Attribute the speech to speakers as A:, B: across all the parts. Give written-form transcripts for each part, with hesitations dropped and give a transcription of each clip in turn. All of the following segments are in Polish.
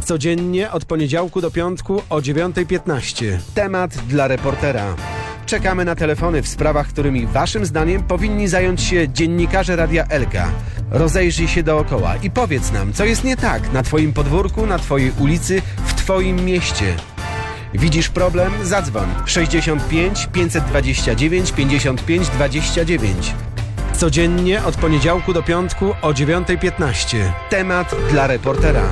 A: Codziennie od poniedziałku do piątku o 9:15. Temat dla reportera. Czekamy na telefony w sprawach, którymi waszym zdaniem powinni zająć się dziennikarze Radia Elka. Rozejrzyj się dookoła i powiedz nam, co jest nie tak na twoim podwórku, na twojej ulicy, w twoim mieście. Widzisz problem? Zadzwoń 65 529 55 29. Codziennie od poniedziałku do piątku o 9:15. Temat dla reportera.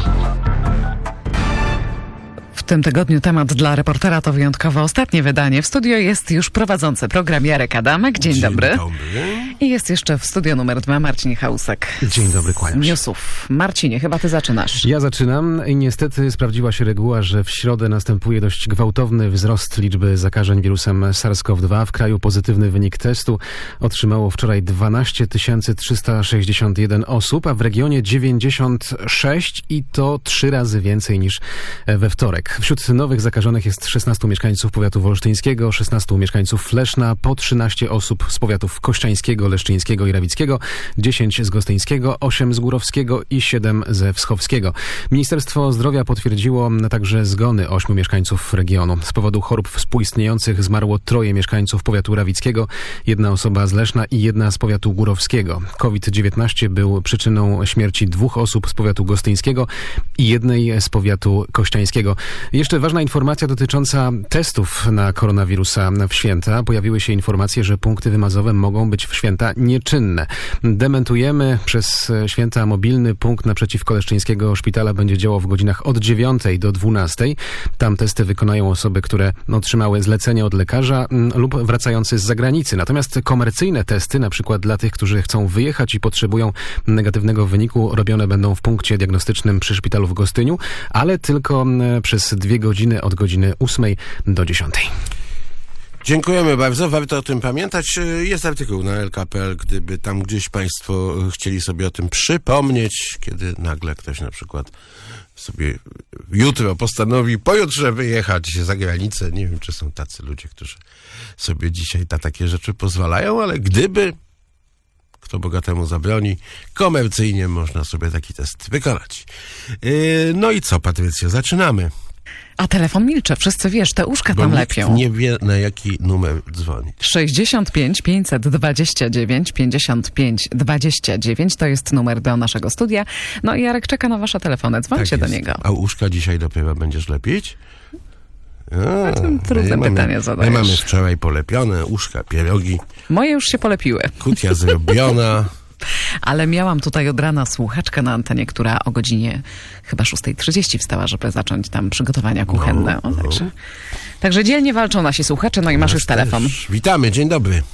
B: W tym tygodniu temat dla reportera to wyjątkowo ostatnie wydanie. W studio jest już prowadzący program Jarek Adamek. Dzień dobry. I jest jeszcze w studio numer 2 Marcin Chałusek.
C: Dzień dobry, kłaniam się.
B: Newsów. Marcinie, chyba ty zaczynasz.
C: Ja zaczynam i niestety sprawdziła się reguła, że w środę następuje dość gwałtowny wzrost liczby zakażeń wirusem SARS-CoV-2. W kraju pozytywny wynik testu otrzymało wczoraj 12 361 osób, a w regionie 96 i to 3 razy więcej niż we wtorek. Wśród nowych zakażonych jest 16 mieszkańców powiatu wolsztyńskiego, 16 mieszkańców Leszna, po 13 osób z powiatów kościańskiego, leszczyńskiego i rawickiego, 10 z gostyńskiego, 8 z górowskiego i 7 ze wschowskiego. Ministerstwo Zdrowia potwierdziło także zgony 8 mieszkańców regionu. Z powodu chorób współistniejących zmarło 3 mieszkańców powiatu rawickiego, 1 osoba z Leszna i 1 z powiatu górowskiego. COVID-19 był przyczyną śmierci 2 osób z powiatu gostyńskiego i 1 z powiatu kościańskiego. Jeszcze ważna informacja dotycząca testów na koronawirusa w święta. Pojawiły się informacje, że punkty wymazowe mogą być w święta nieczynne. Dementujemy. Przez święta mobilny punkt naprzeciwko leszczyńskiego szpitala będzie działał w godzinach od 9 do 12. Tam testy wykonają osoby, które otrzymały zlecenie od lekarza lub wracający z zagranicy. Natomiast komercyjne testy, na przykład dla tych, którzy chcą wyjechać i potrzebują negatywnego wyniku, robione będą w punkcie diagnostycznym przy szpitalu w Gostyniu, ale tylko przez 2 godziny od godziny 8 do 10.
D: Dziękujemy bardzo, warto o tym pamiętać. Jest artykuł na LK.pl, gdyby tam gdzieś państwo chcieli sobie o tym przypomnieć, kiedy nagle ktoś na przykład sobie jutro postanowi pojutrze wyjechać za granicę. Nie wiem, czy są tacy ludzie, którzy sobie dzisiaj na takie rzeczy pozwalają, ale gdyby, kto bogatemu zabroni, komercyjnie można sobie taki test wykonać. No i co, Patrycja, zaczynamy.
B: A telefon milcze, wszyscy wiesz, te uszka
D: Bo
B: tam
D: nikt
B: lepią.
D: nie wie, na jaki numer dzwonić.
B: 65 529 55 29 to jest numer do naszego studia. No i Jarek czeka na wasze telefony, dzwońcie do niego.
D: A uszka dzisiaj dopiero będziesz lepić?
B: Trudne pytanie zadajesz.
D: My mamy wczoraj polepione uszka, pierogi.
B: Moje już się polepiły.
D: Kutia zrobiona.
B: Ale miałam tutaj od rana słuchaczkę na antenie, która o godzinie chyba 6:30 wstała, żeby zacząć tam przygotowania kuchenne. Także dzielnie walczą nasi słuchacze, no i masz już telefon.
D: Też. Witamy, dzień dobry.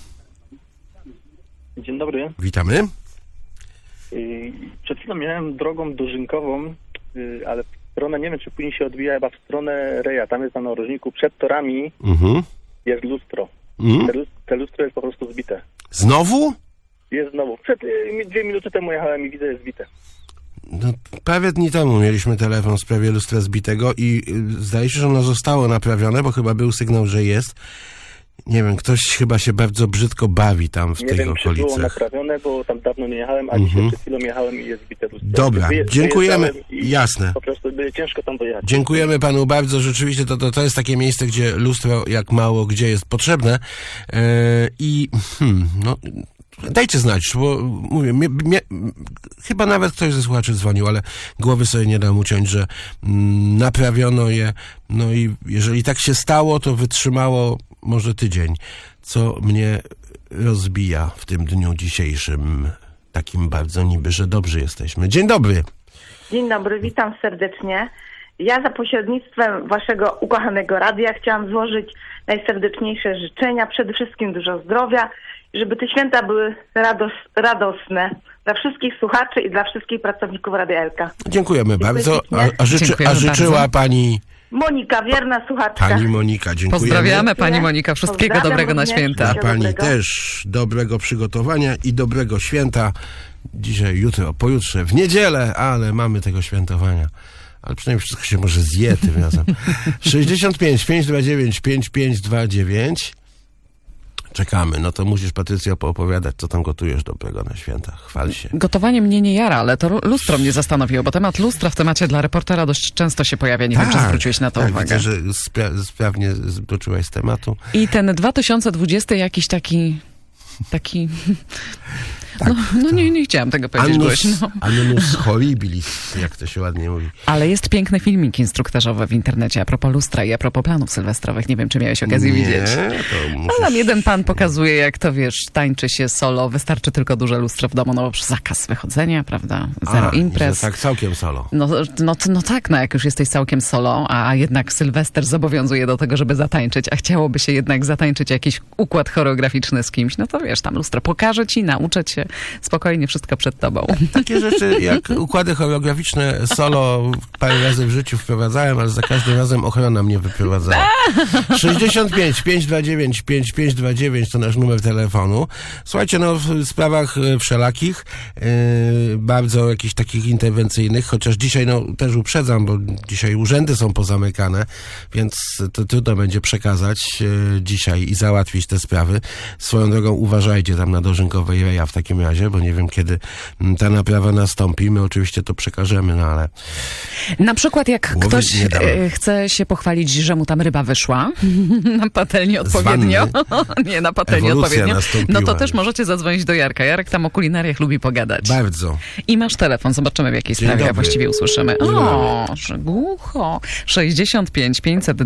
E: Dzień dobry.
D: Witamy.
E: Przed chwilą miałem drogą dożynkową, ale w stronę, nie wiem czy później się odbija, chyba w stronę Reja. Tam jest na narożniku, przed torami jest lustro. Te lustro jest po prostu zbite.
D: Znowu?
E: Jest znowu. 2 minuty temu jechałem i widzę, jest zbite.
D: No, parę dni temu mieliśmy telefon w sprawie lustra zbitego i zdaje się, że ono zostało naprawione, bo chyba był sygnał, że jest. Nie wiem, ktoś chyba się bardzo brzydko bawi tam w tych okolicach. Nie wiem, czy było
E: naprawione, bo tam dawno nie jechałem, a dzisiaj przed chwilą jechałem i jest zbite lustro.
D: Dobra, dziękujemy. Jasne.
E: Po prostu by ciężko tam dojechać.
D: Dziękujemy panu bardzo. Rzeczywiście to jest takie miejsce, gdzie lustro jak mało gdzie jest potrzebne. Dajcie znać, bo mówię, chyba nawet ktoś ze słuchaczy dzwonił, ale głowy sobie nie dam uciąć, że naprawiono je, no i jeżeli tak się stało, to wytrzymało może tydzień, co mnie rozbija w tym dniu dzisiejszym, takim bardzo niby, że dobrzy jesteśmy. Dzień dobry.
F: Dzień dobry, witam serdecznie. Ja za pośrednictwem waszego ukochanego radia chciałam złożyć najserdeczniejsze życzenia, przede wszystkim dużo zdrowia, żeby te święta były radosne dla wszystkich słuchaczy i dla wszystkich pracowników Radia Elka.
D: Dziękujemy bardzo. A życzyła
B: bardzo.
D: pani...
F: Monika, wierna słuchaczka.
D: Pani Monika, dziękujemy.
B: Pozdrawiamy pani Monika, wszystkiego dobrego na święta.
D: A pani też dobrego przygotowania i dobrego święta. Dzisiaj, jutro, pojutrze, w niedzielę, ale mamy tego świętowania. Ale przynajmniej wszystko się może zje tym razem. 65 529 5529. Czekamy. No to musisz, Patrycja, poopowiadać, co tam gotujesz dobrego na święta. Chwal się.
B: Gotowanie mnie nie jara, ale to lustro mnie zastanowiło, bo temat lustra w temacie dla reportera dość często się pojawia. Nie wiem, czy zwróciłeś na to uwagę.
D: Widzę, że sprawnie doczyłaś z tematu.
B: I ten 2020 jakiś taki...
D: Tak,
B: nie chciałam tego powiedzieć głośno.
D: Annus horribilis, jak to się ładnie mówi.
B: Ale jest piękny filmik instruktażowy w internecie a propos lustra i a propos planów sylwestrowych. Nie wiem, czy miałeś okazję widzieć.
D: To
B: Tam jeden pan pokazuje, jak to, wiesz, tańczy się solo. Wystarczy tylko duże lustro w domu, no bo zakaz wychodzenia, prawda? Zero imprez.
D: Tak, całkiem solo.
B: No tak, jak już jesteś całkiem solo, a jednak Sylwester zobowiązuje do tego, żeby zatańczyć, a chciałoby się jednak zatańczyć jakiś układ choreograficzny z kimś, no to wiesz, tam lustro pokaże ci, nauczę cię, spokojnie wszystko przed tobą.
D: Takie rzeczy jak układy choreograficzne solo parę razy w życiu wprowadzałem, ale za każdym razem ochrona mnie wyprowadzała. 65 529 5529 to nasz numer telefonu. Słuchajcie, w sprawach wszelakich, bardzo jakichś takich interwencyjnych, chociaż dzisiaj też uprzedzam, bo dzisiaj urzędy są pozamykane, więc to trudno będzie przekazać dzisiaj i załatwić te sprawy. Swoją drogą uważajcie tam na Dożynkowej Reja w takim razie, bo nie wiem, kiedy ta naprawa nastąpi. My oczywiście to przekażemy, ale...
B: Na przykład jak ktoś chce się pochwalić, że mu tam ryba wyszła na patelni odpowiednio. Nie, na patelni odpowiednio. No to też możecie zadzwonić do Jarka. Jarek tam o kulinariach lubi pogadać.
D: Bardzo.
B: I masz telefon. Zobaczymy, w jakiej sprawie właściwie usłyszymy. Że głucho. 65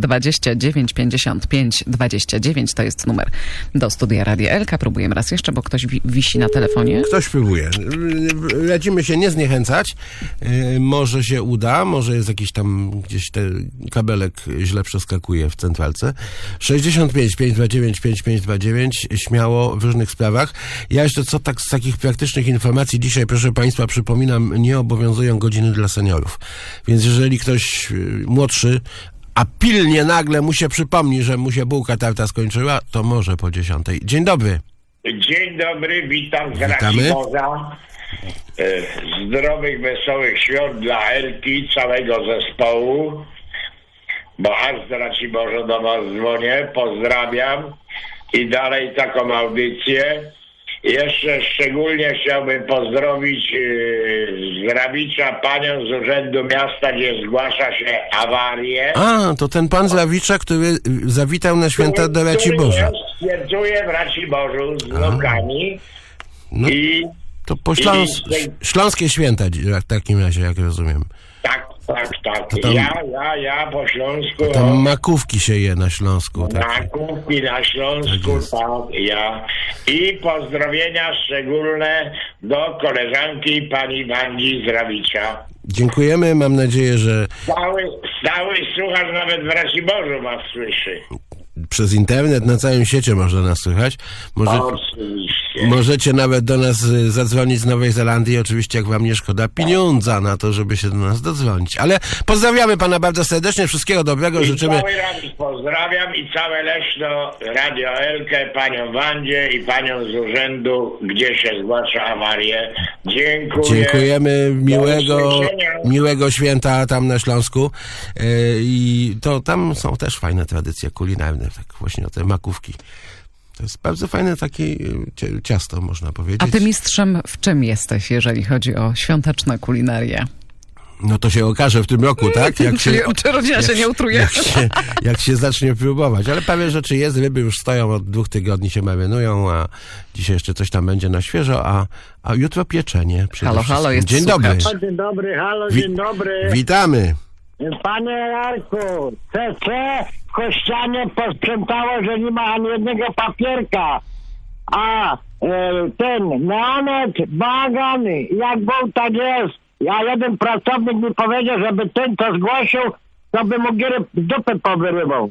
B: 529 55 29 to jest numer do studia Radia Elka. Próbujemy raz jeszcze, bo ktoś wisi na telefonie.
D: Ktoś próbuje. Radzimy się nie zniechęcać. Może się uda, może jest jakiś tam gdzieś ten kabelek źle przeskakuje w centralce. 65 529 5529 śmiało w różnych sprawach. Ja jeszcze z takich praktycznych informacji dzisiaj, proszę Państwa, przypominam, nie obowiązują godziny dla seniorów. Więc jeżeli ktoś młodszy, a pilnie nagle mu się przypomni, że mu się bułka tarta skończyła, to może po 10. Dzień dobry.
G: Dzień dobry, witam z Raciborza. Zdrowych, wesołych świąt dla Elki, całego zespołu, bo aż z Raciborza do was dzwonię, pozdrawiam i dalej taką audycję. Jeszcze szczególnie chciałbym pozdrowić z Rawicza panią z Urzędu Miasta, gdzie zgłasza się awarię.
D: A, to ten pan z Rawicza, który zawitał na święta do Raciborza.
G: Świętuje w Raciborzu z wnukami.
D: No,
G: i
D: to po śląskie święta w takim razie, jak rozumiem.
G: Tak.
D: Tam,
G: ja po Śląsku.
D: Tam makówki się je na Śląsku.
G: Makówki na Śląsku, tak, ja. I pozdrowienia szczególne do koleżanki pani Wandzi z Rawicza.
D: Dziękujemy, mam nadzieję, że...
G: Stały słuchacz nawet w Raciborzu was słyszy.
D: Przez internet na całym świecie można nas słychać. Możecie nawet do nas zadzwonić z Nowej Zelandii, oczywiście jak wam nie szkoda pieniądza na to, żeby się do nas dodzwonić. Ale pozdrawiamy pana bardzo serdecznie, wszystkiego dobrego, życzymy.
G: Cały Rawicz pozdrawiam i całe Leśno, Radio Elkę, panią Wandzie i panią z urzędu, gdzie się zgłasza awarię. Dziękuję.
D: Dziękujemy, miłego święta tam na Śląsku. I to tam są też fajne tradycje kulinarne, tak właśnie te makówki. To jest bardzo fajne takie ciasto, można powiedzieć.
B: A ty mistrzem w czym jesteś, jeżeli chodzi o świąteczne kulinaria?
D: No to się okaże w tym roku, tak?
B: Czy rodzina się nie utruje?
D: Jak się zacznie próbować. Ale parę rzeczy jest, ryby już stoją, od 2 tygodni się marynują, a dzisiaj jeszcze coś tam będzie na świeżo, a jutro pieczenie.
B: Halo, jest
D: Dzień dobry.
H: Dzień dobry, dzień dobry.
D: Witamy.
H: Panie Jarku, CC w Kościanie posprzątało, że nie ma ani jednego papierka. A ten neonet, bagan, jak był, tak jest. A jeden pracownik mi powiedział, żeby ten to zgłosił, to by mu gierę dupę powyrywał.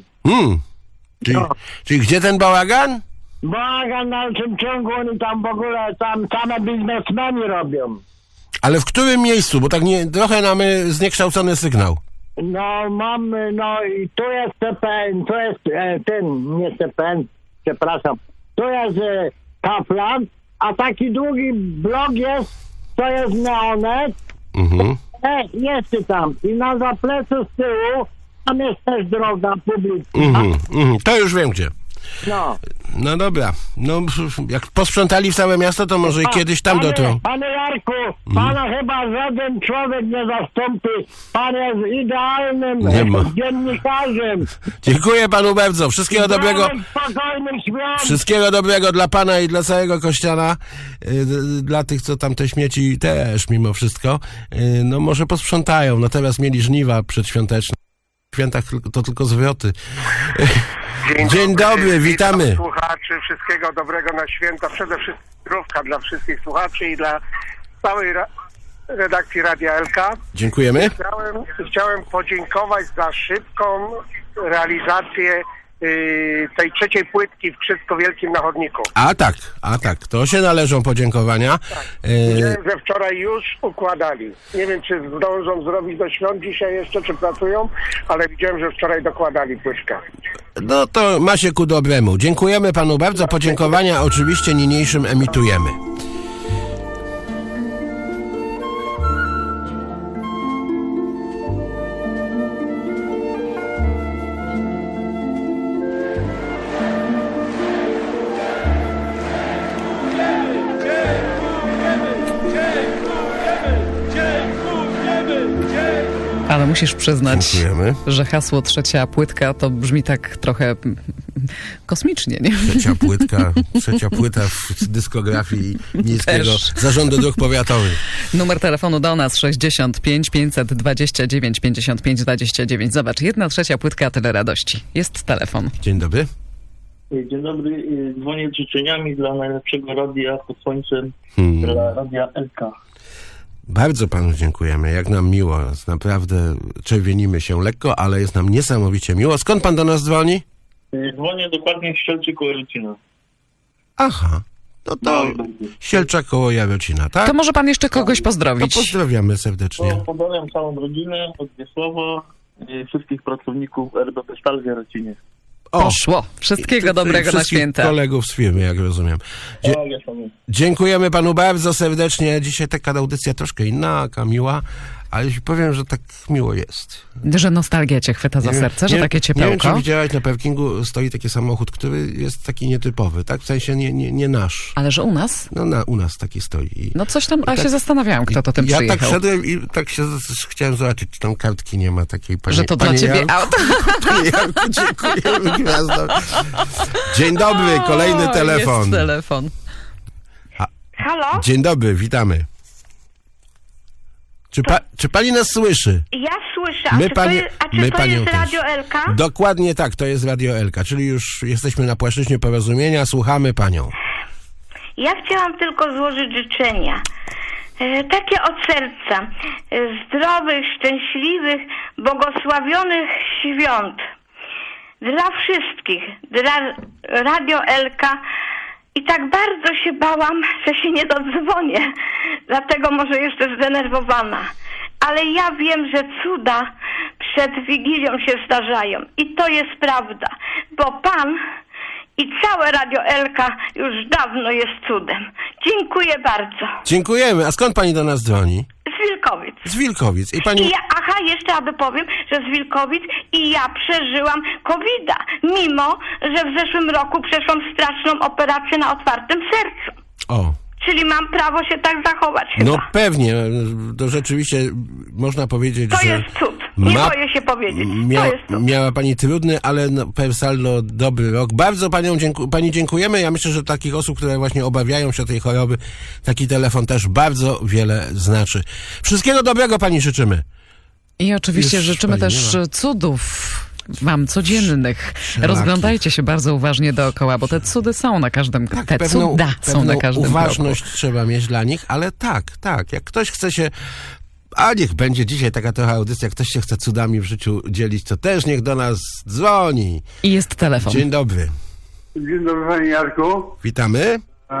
D: Czyli gdzie ten bałagan?
H: Bałagan na dalszym ciągu, oni tam w ogóle, tam same biznesmeni robią.
D: Ale w którym miejscu? Bo tak trochę mamy zniekształcony sygnał.
H: No mamy, i tu jest CPN, tu jest nie CPN, przepraszam, tu jest Kaplan, a taki długi blok jest, to jest Neonet, jest tam i na zapleczu z tyłu, tam jest też droga publiczna.
D: To już wiem gdzie.
H: No.
D: No dobra. No, jak posprzątali w całe miasto, to może i kiedyś tam dotrą.
H: Panie Jarku, pana chyba żaden człowiek nie zastąpi. Pan jest idealnym
D: Nie ma.
H: dziennikarzem.
D: Dziękuję panu bardzo. Wszystkiego dobrego.
H: Spokojnych świąt.
D: Wszystkiego dobrego dla pana i dla całego kościana. Dla tych, co tam te śmieci też mimo wszystko. No może posprzątają. No teraz mieli żniwa przedświąteczne. W świętach to tylko zwroty. Dzień dobry, witamy.
I: Witam słuchaczy, wszystkiego dobrego na święta. Przede wszystkim zdrówka dla wszystkich słuchaczy i dla całej redakcji Radia LK.
D: Dziękujemy.
I: Chciałem podziękować za szybką realizację tej trzeciej płytki w Wszystko Wielkim na chodniku.
D: A tak, to się należą podziękowania.
I: Wiem, że wczoraj już układali. Nie wiem, czy zdążą zrobić do świąt dzisiaj jeszcze, czy pracują, ale widziałem, że wczoraj dokładali płytkę.
D: No to ma się ku dobremu. Dziękujemy panu bardzo. Podziękowania oczywiście niniejszym emitujemy.
B: Ale musisz przyznać,
D: Dziękujemy.
B: że hasło trzecia płytka to brzmi tak trochę kosmicznie, nie?
D: Trzecia płyta w dyskografii Miejskiego
B: Też.
D: Zarządu Dróg Powiatowych.
B: Numer telefonu do nas 65 529 55 29. Zobacz, 1/3 płytka, tyle radości. Jest telefon.
D: Dzień dobry.
J: Dzień dobry, dzwonię z życzeniami dla najlepszego radia pod słońcem, dla Radia LK.
D: Bardzo panu dziękujemy, jak nam miło. Naprawdę czerwienimy się lekko, ale jest nam niesamowicie miło. Skąd pan do nas dzwoni?
J: Dzwonię dokładnie z Sielczy koło Jarocina.
D: Aha, no to Sielcza koło Jarocina, tak?
B: To może pan jeszcze kogoś
D: To
B: pozdrowić.
D: pozdrawiamy serdecznie.
J: Pozdrawiam całą rodzinę od Wiesława, wszystkich pracowników RBP Stal w Jarocinie.
B: Poszło. Wszystkiego dobrego na
D: Wszystkich
B: święta.
D: kolegów z firmy, jak rozumiem. Dziękujemy panu bardzo serdecznie. Dzisiaj taka audycja troszkę inna, miła, ale jeśli powiem, że tak miło jest.
B: Że nostalgia cię chwyta za serce, że takie
D: Nie wiem, czy
B: ciepełko.
D: widziałaś, na parkingu stoi taki samochód, który jest taki nietypowy, tak? W sensie nie nasz.
B: Ale że u nas?
D: No u nas taki stoi.
B: No coś tam, a
D: tak-
B: się zastanawiałam, kto to tym
D: Ja
B: przyjechał.
D: tak szedłem i tak się chciałem zobaczyć, czy tam kartki nie ma takiej pani.
B: Że to dla
D: Panie
B: ciebie
D: Janku,
B: auto.
D: Panie Janku, dziękujemy gwiazdom. Dzień dobry, kolejny telefon.
B: Jest telefon.
F: Halo?
D: Dzień dobry, witamy. Czy pani nas słyszy?
F: Ja słyszę. A
D: My
F: czy
D: panie-
F: to
D: my
F: jest
D: panią też.
F: Radio LK?
D: Dokładnie tak, to jest Radio Elka, czyli już jesteśmy na płaszczyźnie porozumienia, słuchamy panią.
F: Ja chciałam tylko złożyć życzenia. Takie od serca. Zdrowych, szczęśliwych, błogosławionych świąt. Dla wszystkich. Dla Radio LK. I tak bardzo się bałam, że się nie dodzwonię. Dlatego może jeszcze zdenerwowana. Ale ja wiem, że cuda przed Wigilią się zdarzają. I to jest prawda. Bo Pan i całe Radio Elka już dawno jest cudem. Dziękuję bardzo.
D: Dziękujemy. A skąd pani do nas dzwoni?
F: Z Wilkowic.
D: Z Wilkowic. I pani...
F: Jeszcze aby powiem, że z Wilkowic i ja przeżyłam COVID-a, mimo że w zeszłym roku przeszłam straszną operację na otwartym sercu.
D: O.
F: Czyli mam prawo się tak zachować chyba.
D: No pewnie, to rzeczywiście można powiedzieć,
F: To
D: że...
F: jest cud. Nie boję się powiedzieć. To jest cud.
D: Miała pani trudny, ale per saldo dobry rok. Bardzo pani dziękujemy. Ja myślę, że takich osób, które właśnie obawiają się tej choroby, taki telefon też bardzo wiele znaczy. Wszystkiego dobrego pani życzymy.
B: I oczywiście
D: Już
B: życzymy
D: pani
B: też
D: nie ma.
B: cudów wam codziennych. Rozglądajcie się bardzo uważnie dookoła, bo te cudy są na każdym kroku. Te cuda są na każdym
D: uważność
B: kroku.
D: trzeba mieć dla nich, ale tak. Jak ktoś chce się... A niech będzie dzisiaj taka trochę audycja, jak ktoś się chce cudami w życiu dzielić, to też niech do nas dzwoni.
B: I jest telefon.
D: Dzień dobry.
K: Dzień dobry, panie Jarku.
D: Witamy.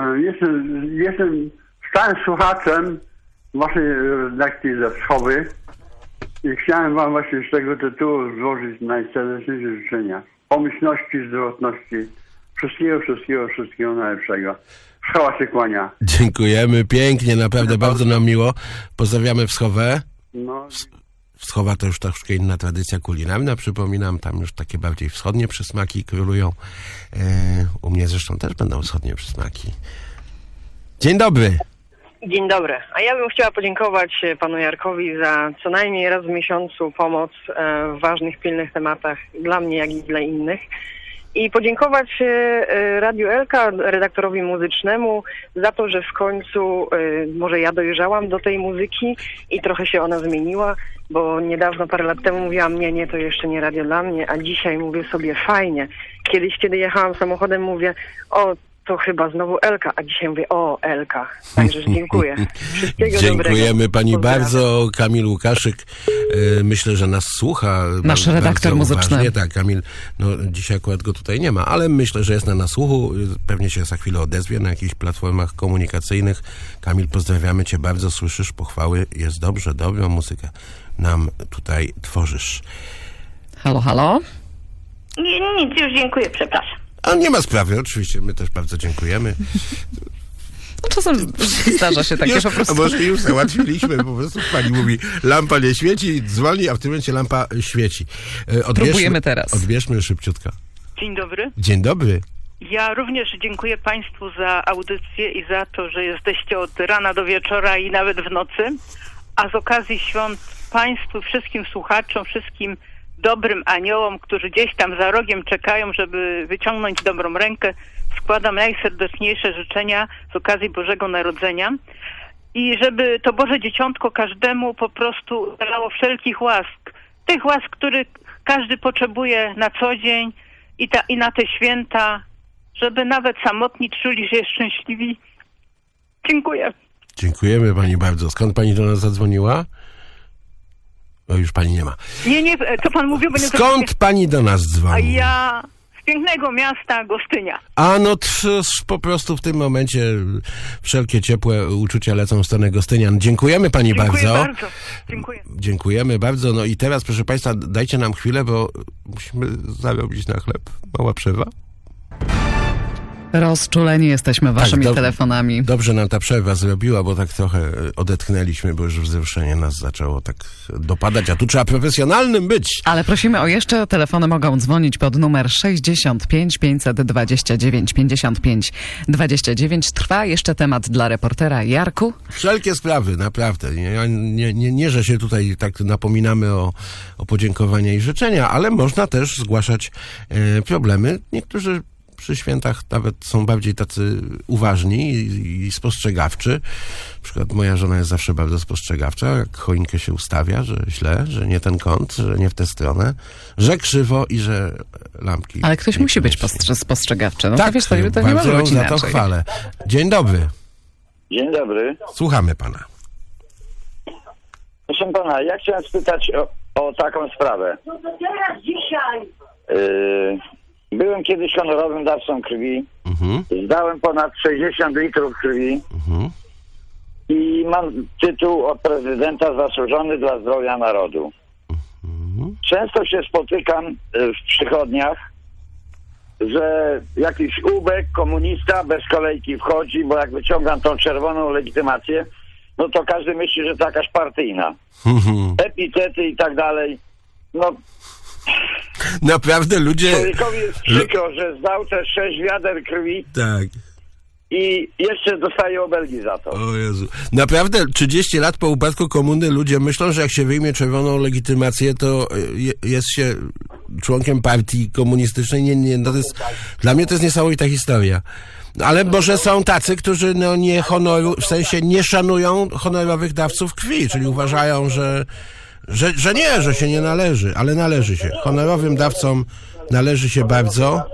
K: Jestem stałym słuchaczem waszej redakcji ze Wschowy i chciałem wam właśnie z tego tytułu złożyć najserdeczniejsze życzenia. Pomyślności, zdrowotności, wszystkiego najlepszego. Wschowa się kłania.
D: Dziękujemy pięknie, naprawdę bardzo nam miło. Pozdrawiamy Wschowę.
K: No,
D: Wschowa to już troszkę inna tradycja kulinarna, przypominam, tam już takie bardziej wschodnie przysmaki królują. U mnie zresztą też będą wschodnie przysmaki. Dzień dobry.
L: Dzień dobry. A ja bym chciała podziękować panu Jarkowi za co najmniej raz w miesiącu pomoc w ważnych, pilnych tematach dla mnie, jak i dla innych. I podziękować Radiu Elka, redaktorowi muzycznemu za to, że w końcu może ja dojrzałam do tej muzyki i trochę się ona zmieniła, bo niedawno, parę lat temu mówiłam, nie, to jeszcze nie radio dla mnie, a dzisiaj mówię sobie fajnie. Kiedyś, kiedy jechałam samochodem, mówię, to chyba znowu Elka, a dzisiaj mówię, Elka. Także dziękuję. Wszystkiego
D: Dziękujemy
L: dobrego.
D: pani
L: Pozdrawiam.
D: bardzo. Kamil Łukaszyk, myślę, że nas słucha.
B: Nasz redaktor muzyczny.
D: Uważnie. Tak, Kamil, dzisiaj akurat go tutaj nie ma, ale myślę, że jest na nasłuchu. Pewnie się za chwilę odezwie na jakichś platformach komunikacyjnych. Kamil, pozdrawiamy cię bardzo, słyszysz pochwały, jest dobrze, dobrą muzykę nam tutaj tworzysz.
B: Halo, halo?
M: Nic, już dziękuję, przepraszam.
D: A nie ma sprawy, oczywiście, my też bardzo dziękujemy.
B: Czasem zdarza się takie
D: już,
B: po prostu.
D: A może już załatwiliśmy, po prostu pani mówi, lampa nie świeci, dzwoni, a w tym momencie lampa świeci.
B: Próbujemy teraz.
D: Odbierzmy szybciutko.
N: Dzień dobry.
D: Dzień dobry.
N: Ja również dziękuję państwu za audycję i za to, że jesteście od rana do wieczora i nawet w nocy. A z okazji świąt państwu, wszystkim słuchaczom, wszystkim dobrym aniołom, którzy gdzieś tam za rogiem czekają, żeby wyciągnąć dobrą rękę, składam najserdeczniejsze życzenia z okazji Bożego Narodzenia i żeby to Boże Dzieciątko każdemu po prostu dało wszelkich łask. Tych łask, których każdy potrzebuje na co dzień i na te święta, żeby nawet samotni czuli się szczęśliwi. Dziękuję.
D: Dziękujemy pani bardzo. Skąd pani do nas zadzwoniła? Już pani nie ma.
N: Nie, co pan mówił? Bo nie
D: Skąd pani do nas dzwoni?
N: A ja z pięknego miasta Gostynia.
D: A po prostu w tym momencie wszelkie ciepłe uczucia lecą w stronę Gostynian. Dziękujemy pani bardzo.
N: Dziękuję.
D: Dziękujemy bardzo. No i teraz, proszę państwa, dajcie nam chwilę, bo musimy zarobić na chleb. Mała przerwa.
B: Rozczuleni jesteśmy waszymi telefonami.
D: Dobrze nam ta przerwa zrobiła, bo tak trochę odetchnęliśmy, bo już wzruszenie nas zaczęło tak dopadać, a tu trzeba profesjonalnym być.
B: Ale prosimy o jeszcze, telefony mogą dzwonić pod numer 65 529 55 29. Trwa jeszcze temat dla reportera. Jarku?
D: Wszelkie sprawy, naprawdę. Nie, że się tutaj tak napominamy o podziękowania i życzenia, ale można też zgłaszać problemy. Niektórzy przy świętach nawet są bardziej tacy uważni i spostrzegawczy. Na przykład moja żona jest zawsze bardzo spostrzegawcza, jak choinkę się ustawia, że źle, że nie ten kąt, że nie w tę stronę, że krzywo i że lampki...
B: Ale ktoś musi być spostrzegawczy. No
D: tak,
B: to wiesz, to nie może być inaczej.
D: Za to chwalę. Dzień dobry.
O: Dzień dobry.
D: Słuchamy pana.
O: Proszę pana, ja chciałem spytać o taką sprawę.
M: No to teraz dzisiaj.
O: Byłem kiedyś honorowym dawcą krwi. Zdałem ponad 60 litrów krwi. I mam tytuł od prezydenta zasłużony dla zdrowia narodu. Często się spotykam w przychodniach, że jakiś ubek, komunista bez kolejki wchodzi, bo jak wyciągam tą czerwoną legitymację, no to każdy myśli, że to jakaś partyjna. Epitety i tak dalej. No...
D: Naprawdę ludzie...
O: Człowiekowi jest przykro, że zdał te 6 wiader krwi.
D: Tak.
O: I jeszcze dostaje obelgi za to.
D: O Jezu. Naprawdę 30 lat po upadku komuny ludzie myślą, że jak się wyjmie czerwoną legitymację, to jest się członkiem partii komunistycznej. Nie, no to jest, dla mnie to jest niesamowita historia. Ale może są tacy, którzy nie szanują honorowych dawców krwi, czyli uważają, że się nie należy, ale należy się. Honorowym dawcom należy się bardzo.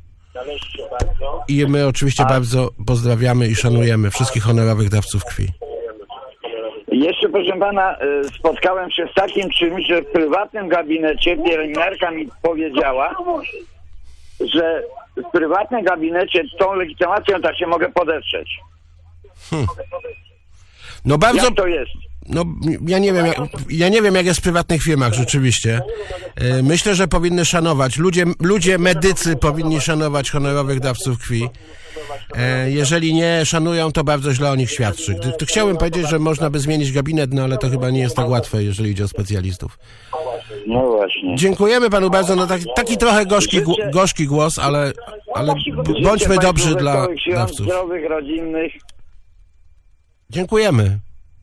D: I my oczywiście bardzo pozdrawiamy i szanujemy wszystkich honorowych dawców krwi.
O: Jeszcze, proszę pana, spotkałem się z takim czymś, że w prywatnym gabinecie pielęgniarka mi powiedziała, że w prywatnym gabinecie tą legitymacją tak się mogę podetrzeć.
D: No bardzo...
O: Jak to jest?
D: No, ja nie wiem, jak jest w prywatnych firmach, rzeczywiście. Myślę, że powinny szanować. Ludzie medycy powinni szanować honorowych dawców krwi. Jeżeli nie szanują, to bardzo źle o nich świadczy. Chciałbym powiedzieć, że można by zmienić gabinet, no ale to chyba nie jest tak łatwe, jeżeli idzie o specjalistów.
O: No właśnie.
D: Dziękujemy panu bardzo. No taki trochę gorzki głos, ale bądźmy dobrzy dla dawców.
O: Zdrowych, rodzinnych.
D: Dziękujemy.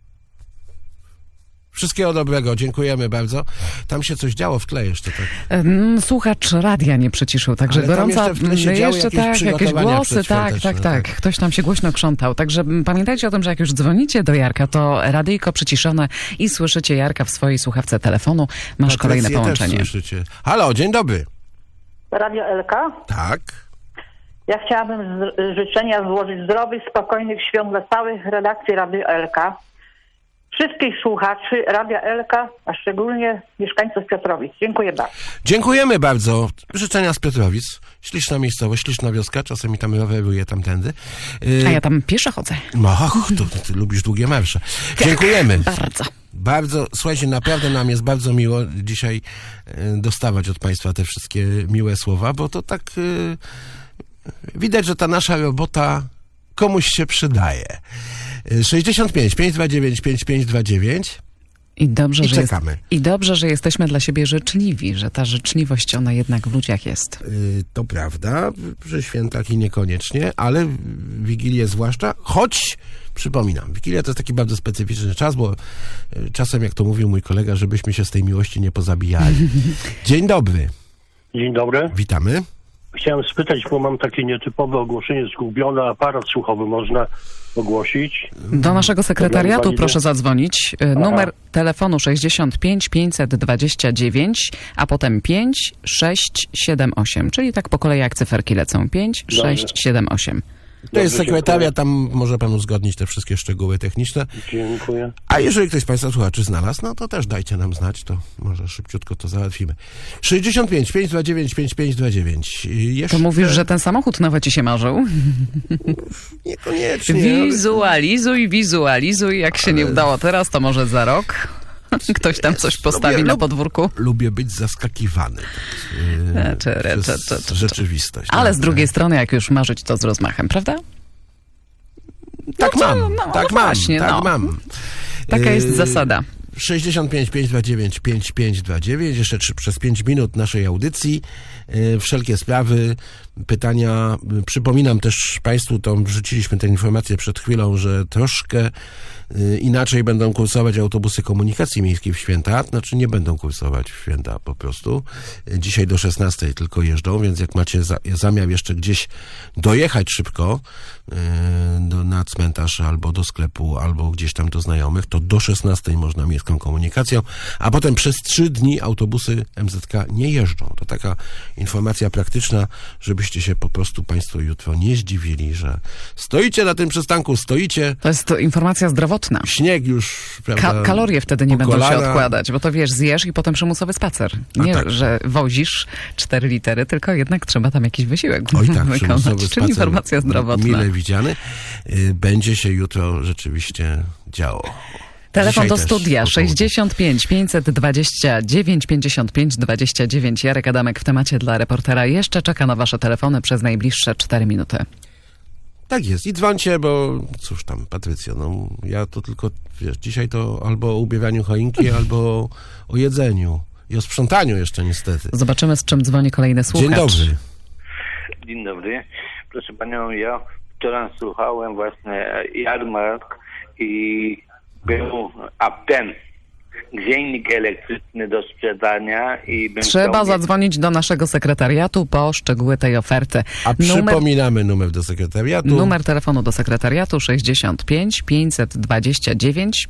D: Wszystkiego dobrego, dziękujemy bardzo. Tam się coś działo w tle jeszcze, tak?
B: Słuchacz radia nie przyciszył, także
D: ale
B: gorąca... jakieś głosy, tak.
D: No.
B: Ktoś tam się głośno krzątał. Także pamiętajcie o tym, że jak już dzwonicie do Jarka, to radyjko przyciszone i słyszycie Jarka w swojej słuchawce telefonu. Masz kolejne połączenie.
D: Też słyszycie. Halo, dzień dobry.
F: Radio LK?
D: Tak.
F: Ja chciałabym życzenia złożyć zdrowych, spokojnych świąt dla całych redakcji Radio LK. Wszystkich słuchaczy Radia Elka, a szczególnie mieszkańców Piotrowic. Dziękuję bardzo.
D: Dziękujemy bardzo. Życzenia z Piotrowic. Śliczna miejscowość, śliczna wioska. Czasami tam roweruję tamtędy.
B: A ja tam pieszo chodzę.
D: Ty lubisz długie marsze. Dziękujemy. Bardzo. Słuchajcie, naprawdę nam jest bardzo miło dzisiaj dostawać od państwa te wszystkie miłe słowa, bo to tak widać, że ta nasza robota komuś się przydaje. 65 529 5529
B: I dobrze, że jesteśmy dla siebie życzliwi, że ta życzliwość, ona jednak w ludziach jest.
D: To prawda, przy świętach i niekoniecznie, ale Wigilię zwłaszcza, choć przypominam, Wigilia to jest taki bardzo specyficzny czas, bo czasem, jak to mówił mój kolega, żebyśmy się z tej miłości nie pozabijali. Dzień dobry.
P: Dzień dobry.
D: Witamy.
P: Chciałem spytać, bo mam takie nietypowe ogłoszenie, zgubiony aparat słuchowy, można ogłosić?
B: Do naszego sekretariatu proszę zadzwonić. Numer telefonu 65 529, a potem 5 6 7 8, czyli tak po kolei jak cyferki lecą. 5 6 7 8.
D: To jest sekretaria, tam może pan uzgodnić te wszystkie szczegóły techniczne.
P: Dziękuję.
D: A jeżeli ktoś z państwa słuchaczy znalazł, no to też dajcie nam znać, to może szybciutko to załatwimy. 65 529 5529.
B: To mówisz, że ten samochód nowy ci się marzył?
D: Niekoniecznie.
B: Wizualizuj. Jak się nie udało teraz, to może za rok. Ktoś tam coś postawi na podwórku.
D: Lubię być zaskakiwany przez rzeczywistość.
B: Ale z drugiej strony, jak już marzyć, to z rozmachem, prawda?
D: Tak mam.
B: Taka jest zasada.
D: 65 529 5529, jeszcze przez 5 minut naszej audycji. Wszelkie sprawy, pytania. Przypominam też państwu, to wrzuciliśmy tę informację przed chwilą, że troszkę inaczej będą kursować autobusy komunikacji miejskiej w święta. Znaczy nie będą kursować w święta po prostu. Dzisiaj do 16 tylko jeżdżą, więc jak macie zamiar jeszcze gdzieś dojechać szybko na cmentarz albo do sklepu, albo gdzieś tam do znajomych, to do 16 można miejską komunikacją, a potem przez 3 dni autobusy MZK nie jeżdżą. To taka informacja praktyczna, żebyście się po prostu państwo jutro nie zdziwili, że stoicie na tym przystanku,
B: To jest to informacja zdrowotna.
D: Śnieg już, prawda,
B: kalorie wtedy nie będą się odkładać, bo to wiesz, zjesz i potem przymusowy spacer. Nie, że wozisz 4 litery, tylko jednak trzeba tam jakiś wysiłek wykonać. Czyli informacja zdrowotna.
D: Mile widziany. Będzie się jutro rzeczywiście działo.
B: Telefon do studia 65 529 55 29. Jarek Adamek w temacie dla reportera jeszcze czeka na wasze telefony przez najbliższe 4 minuty.
D: Tak jest. I dzwońcie, bo cóż tam, Patrycjo, no ja to tylko, wiesz, dzisiaj to albo o ubieraniu choinki, albo o jedzeniu. I o sprzątaniu jeszcze niestety.
B: Zobaczymy, z czym dzwoni kolejny słuchacz.
D: Dzień dobry.
Q: Dzień dobry. Proszę panią, ja wczoraj słuchałem właśnie jarmark i był ten grzejnik elektryczny do sprzedania i
B: trzeba zadzwonić do naszego sekretariatu po szczegóły tej oferty.
D: A przypominamy numer do sekretariatu.
B: Numer telefonu do sekretariatu 65 529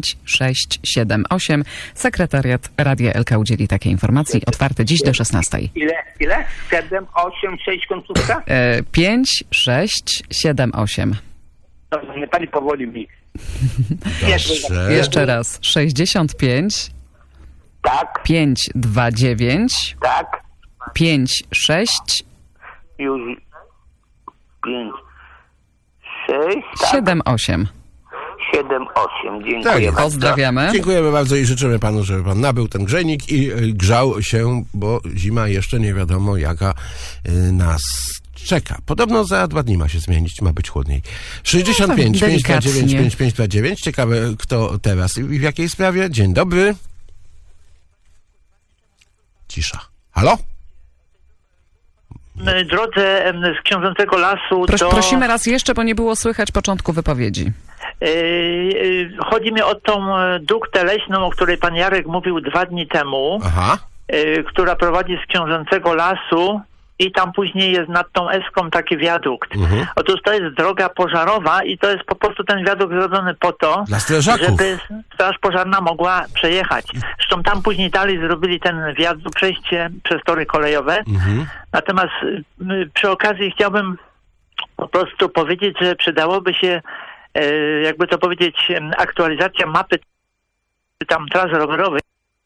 B: 5678. Sekretariat Radia Elka udzieli takiej informacji. Otwarty dziś do 16.
Q: Ile? 7, 8, 6 końcówka?
B: 5, 6, 7, 8.
Q: Dobrze, nie pani powoli mi.
B: Jeszcze raz. 65.
Q: Tak.
B: 529.
Q: Tak.
B: 56.
Q: Już. 5, 6. Tak.
B: 7, 8.
Q: 78. Dziękuję
D: Tak jest.
Q: bardzo.
B: Pozdrawiamy.
D: Dziękujemy bardzo i życzymy panu, żeby pan nabył ten grzejnik i grzał się, bo zima jeszcze nie wiadomo jaka nas czeka. Podobno za 2 dni ma się zmienić, ma być chłodniej. 65 529 5529. Ciekawe, kto teraz i w jakiej sprawie. Dzień dobry. Cisza. Halo?
R: Drodze z Książęcego Lasu to...
B: Prosimy raz jeszcze, bo nie było słychać początku wypowiedzi.
R: Chodzi mi o tą duktę leśną, o której pan Jarek mówił 2 dni temu, która prowadzi z Książęcego Lasu i tam później jest nad tą Eską taki wiadukt. Otóż to jest droga pożarowa i to jest po prostu ten wiadukt zrobiony po to,
D: dla strażaków,
R: żeby straż pożarna mogła przejechać. Zresztą tam później dalej zrobili ten wiadukt, przejście przez tory kolejowe. Natomiast przy okazji chciałbym po prostu powiedzieć, że przydałoby się, jakby to powiedzieć, aktualizacja mapy tam tras rowerowych.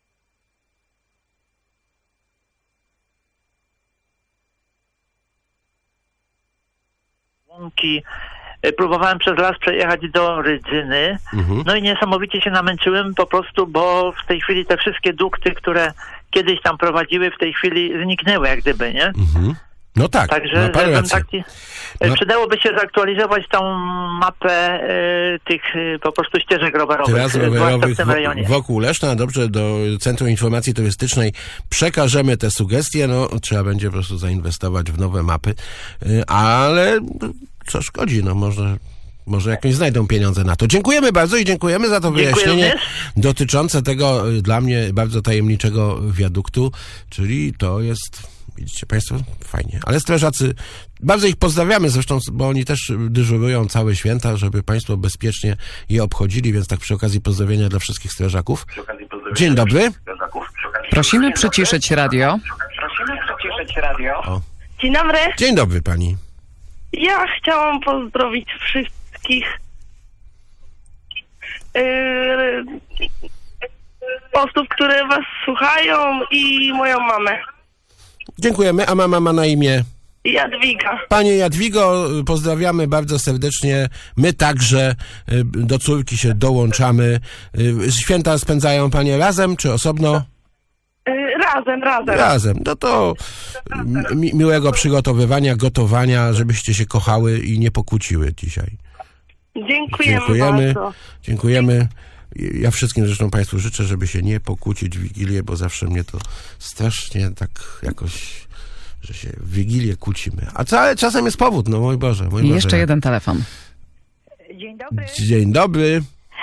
R: Próbowałem przez las przejechać do Rydzyny, no i niesamowicie się namęczyłem po prostu, bo w tej chwili te wszystkie dukty, które kiedyś tam prowadziły, w tej chwili zniknęły jak gdyby, nie?
D: No tak,
R: także przydałoby się zaktualizować tą mapę tych po prostu ścieżek rowerowych,
D: tras rowerowych
R: w tym rejonie.
D: Wokół Leszna. Dobrze, do Centrum Informacji Turystycznej przekażemy te sugestie. No, trzeba będzie po prostu zainwestować w nowe mapy, ale co szkodzi, no może jakieś znajdą pieniądze na to. Dziękujemy bardzo i dziękujemy za to wyjaśnienie dotyczące tego dla mnie bardzo tajemniczego wiaduktu, czyli to jest... Widzicie państwo? Fajnie. Ale strażacy, bardzo ich pozdrawiamy zresztą, bo oni też dyżurują całe święta, żeby państwo bezpiecznie je obchodzili, więc tak przy okazji pozdrowienia dla wszystkich strażaków. Dzień dobry.
B: Prosimy przyciszyć radio.
D: O.
S: Dzień dobry.
D: Dzień dobry pani.
S: Ja chciałam pozdrowić wszystkich osób, które was słuchają i moją mamę.
D: Dziękujemy. A mama ma na imię?
S: Jadwiga.
D: Panie Jadwigo, pozdrawiamy bardzo serdecznie. My także do córki się dołączamy. Święta spędzają panie razem czy osobno? Razem. No to miłego przygotowywania, gotowania, żebyście się kochały i nie pokłóciły dzisiaj.
S: Dziękujemy bardzo.
D: Dziękujemy. Ja wszystkim zresztą państwu życzę, żeby się nie pokłócić w Wigilię, bo zawsze mnie to strasznie tak jakoś, że się w Wigilię kłócimy. A czasem jest powód, no mój Boże.
B: I jeszcze jeden telefon.
T: Dzień dobry.
D: Dzień dobry.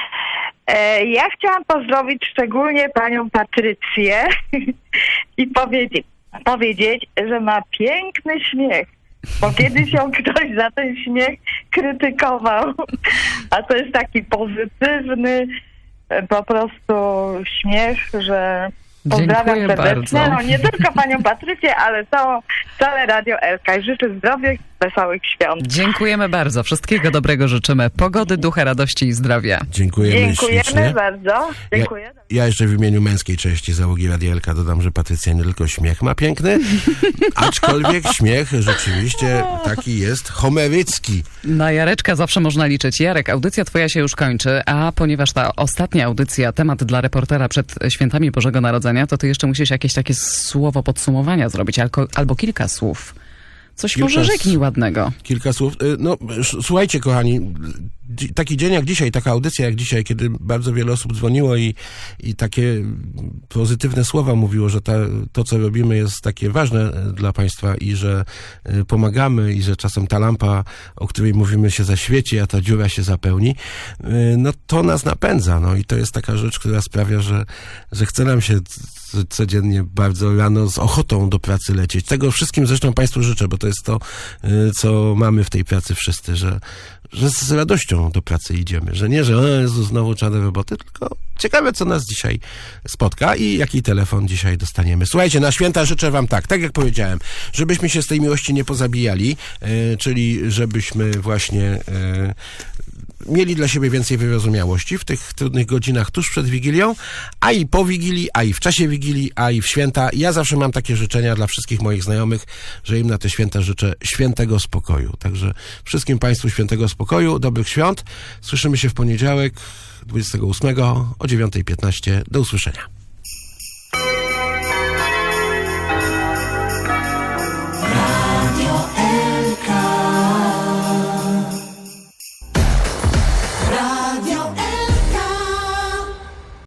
T: Ja chciałam pozdrowić szczególnie panią Patrycję i powiedzieć, że ma piękny śmiech. Bo kiedyś ją ktoś za ten śmiech krytykował. A to jest taki pozytywny po prostu śmiech, że pozdrawiam serdecznie.
B: Bardzo.
T: No nie tylko panią Patrycję, ale całe Radio Elka. I życzę zdrowych, wesołych świąt.
B: Dziękujemy bardzo. Wszystkiego dobrego życzymy. Pogody, ducha, radości i zdrowia.
D: Dziękujemy ślicznie.
T: Bardzo. Dziękuję.
D: Ja jeszcze w imieniu męskiej części załogi Radia Elka dodam, że Patrycja nie tylko śmiech ma piękny, aczkolwiek śmiech rzeczywiście taki jest homerycki.
B: Na Jareczka zawsze można liczyć. Jarek, audycja twoja się już kończy, a ponieważ ta ostatnia audycja, temat dla reportera przed świętami Bożego Narodzenia, to ty jeszcze musisz jakieś takie słowo podsumowania zrobić, albo kilka słów. Coś może rzeknij ładnego.
D: Kilka słów. No, słuchajcie, kochani, taki dzień jak dzisiaj, taka audycja jak dzisiaj, kiedy bardzo wiele osób dzwoniło i takie pozytywne słowa mówiło, że to, co robimy, jest takie ważne dla państwa i że pomagamy i że czasem ta lampa, o której mówimy, się zaświeci, a ta dziura się zapełni, no to nas napędza. No i to jest taka rzecz, która sprawia, że chce nam się codziennie bardzo rano z ochotą do pracy lecieć. Tego wszystkim zresztą państwu życzę, bo to jest to, co mamy w tej pracy wszyscy, że z radością do pracy idziemy, że nie, że Jezu, znowu trzeba do roboty, tylko ciekawe, co nas dzisiaj spotka i jaki telefon dzisiaj dostaniemy. Słuchajcie, na święta życzę wam tak jak powiedziałem, żebyśmy się z tej miłości nie pozabijali, czyli żebyśmy właśnie mieli dla siebie więcej wyrozumiałości w tych trudnych godzinach tuż przed Wigilią, a i po Wigilii, a i w czasie Wigilii, a i w święta. Ja zawsze mam takie życzenia dla wszystkich moich znajomych, że im na te święta życzę świętego spokoju. Także wszystkim Państwu świętego spokoju, dobrych świąt. Słyszymy się w poniedziałek 28 o 9:15. Do usłyszenia.